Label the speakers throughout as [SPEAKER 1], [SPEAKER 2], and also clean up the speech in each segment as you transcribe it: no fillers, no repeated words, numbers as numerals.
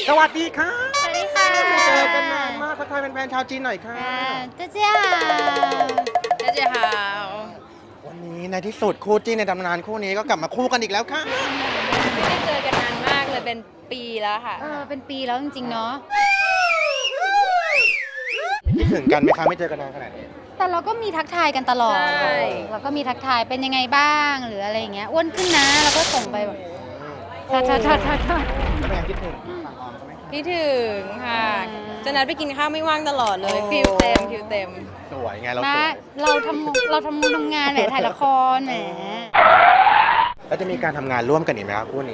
[SPEAKER 1] สวัสดีค่ะ
[SPEAKER 2] สวัสดีค่ะ
[SPEAKER 1] ไม่เจอกันนานมากทักทายแฟนๆชาวจีนหน่อยค่ะ
[SPEAKER 2] เจ๊เจ๊ค่ะเจ๊เจ๊ค่ะ
[SPEAKER 1] วันนี้ในที่สุดคู่จิ้นในตำนานคู่นี้ก็กลับมาคู่กันอีกแล้วค่ะ
[SPEAKER 3] ไม่ได้เจอกันนานมากเลยเป็นปีแล้วค่ะ
[SPEAKER 2] เป็นปีแล้วจริงๆเนาะ
[SPEAKER 1] คิดถึงกันไหมคะไม่เจอกันนานขนาดนี้
[SPEAKER 2] แต่เราก็มีทักทายกันตลอด
[SPEAKER 3] ใช่
[SPEAKER 2] เราก็มีทักทายเป็นยังไงบ้างหรืออะไรอย่างเงี้ยอ้วนขึ้นนะเราก็ส่งไปแบบทอด
[SPEAKER 1] แล้วเป็นไงคิดถึงฝั่งออมเขาไหมคะ
[SPEAKER 3] คิดถึงค่ะ
[SPEAKER 2] อืม
[SPEAKER 3] จะนัดไปกินข้าวไม่ว่างตลอดเลย
[SPEAKER 1] โอ้
[SPEAKER 3] คิวเต็มคิวเต็ม
[SPEAKER 1] สวยไงเราส
[SPEAKER 2] นะ
[SPEAKER 1] วย
[SPEAKER 2] เราทำงานแหมถ่ายละครแหม
[SPEAKER 1] แล้วจะมีการทำงานร่วมกันอีกไหมครับคู่นี้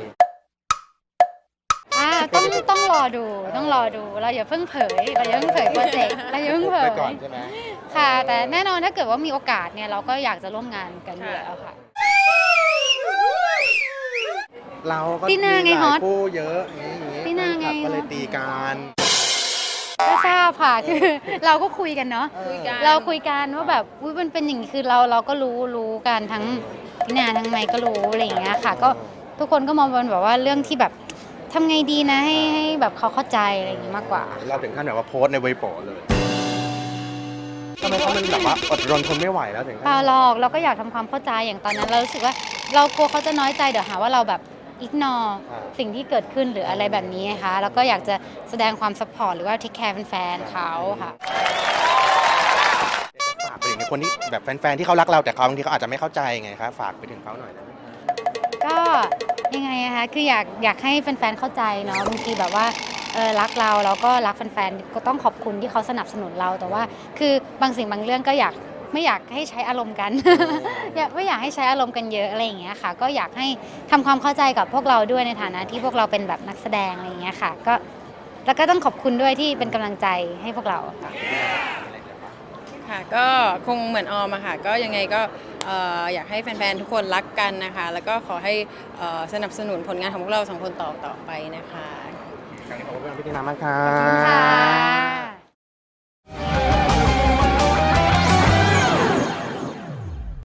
[SPEAKER 2] ต้องรอดูเราอย่าเพิ่งเผยโปรเจกต์เราอย่าเพิ่งเผ
[SPEAKER 1] ไป
[SPEAKER 2] ย
[SPEAKER 1] ก่อนใช่ไหม
[SPEAKER 2] ค่ะ แต่แน่นอนถ้าเกิดว่ามีโอกาสเนี่ยเราก็อยากจะร่วมงานกันอยู่แล้วค่ะ
[SPEAKER 1] เราก็
[SPEAKER 2] ตีนาไง
[SPEAKER 1] มีห
[SPEAKER 2] ฮ
[SPEAKER 1] ลา
[SPEAKER 2] อย ต
[SPEAKER 1] คู่เยอะอย่างนี้
[SPEAKER 2] ตีนาไง
[SPEAKER 1] แฟคลับก็เลย
[SPEAKER 2] ฮอต
[SPEAKER 1] ตีกัน
[SPEAKER 2] ก็ทราบค่ะ คือเราก็คุยกันเนาะ
[SPEAKER 3] คุยกัน
[SPEAKER 2] เราคุยกันว่าแบบอุ๊ยมันเป็นอย่างนี้คือเราก็รู้กันทั้งพี่นาทั้งไมค์ก็รู้อะไรอย่างเงี้ยค่ะ ก็ทุกคนก็มองเป็นแบบว่าเรื่องที่แบบทำไงดีนะให้แบบเขาเข้าใจอะไรอย่างงี้มากกว่า
[SPEAKER 1] เราถึงขั้นแบบว่าโพสต์ในเว็บโปเลยทำไมเขามันแบบว่าอดรนทนไม่ไหวแล้วถึง
[SPEAKER 2] เปล่าหรอกเราก็อยากทำความเข้าใจอย่างตอนนั้นเรารู้สึกว่าเรากลัวเขาจะน้อยใจเดี๋ยวหาว่าเราแบบอิกนอสิ่งที่เกิดขึ้นหรืออะไรแบบนี้นะคะแล้วก็อยากจะแสดงความซัพพอร์ตหรือว่าเทคแคร์แฟนๆเขาค่ะ
[SPEAKER 1] ฝากไปถึงคนที่แบบแฟนๆที่เขารักเราแต่เขาบางทีเขาอาจจะไม่เข้าใจไงครับฝากไปถึงเขาหน่อยได้ไหมครับ
[SPEAKER 2] ก็ยังไงนะคะคืออยากให้แฟนๆเข้าใจเนาะบางทีแบบว่ารักเราแล้วก็รักแฟนๆก็ต้องขอบคุณที่เขาสนับสนุนเราแต่ว่าคือบางสิ่งบางเรื่องก็ไม่อยากให้ใช้อารมณ์กัน ไม่อยากให้ใช้อารมณ์กันเยอะอะไรอย่างเงี้ยค่ะ ก็อยากให้ทำความเข้าใจกับพวกเราด้วยในฐานะที่พวกเราเป็นแบบนักแสดงอะไรอย่างเงี้ยค่ะก็แล้วก็ต้องขอบคุณด้วยที่เป็นกำลังใจให้พวกเราค่ะ
[SPEAKER 3] ค่ะ ก็คงเหมือนออมอะค่ะ ก็ยังไงก็อยากให้แฟนๆ ทุกคนรักกันนะคะ แล้วก็ขอให้สนับสนุนผลงานของพวกเราสองคนต่อไปนะคะ
[SPEAKER 1] ขอบคุณพี่ตินามากครั
[SPEAKER 2] ขอบคุณค่ะ
[SPEAKER 1] บ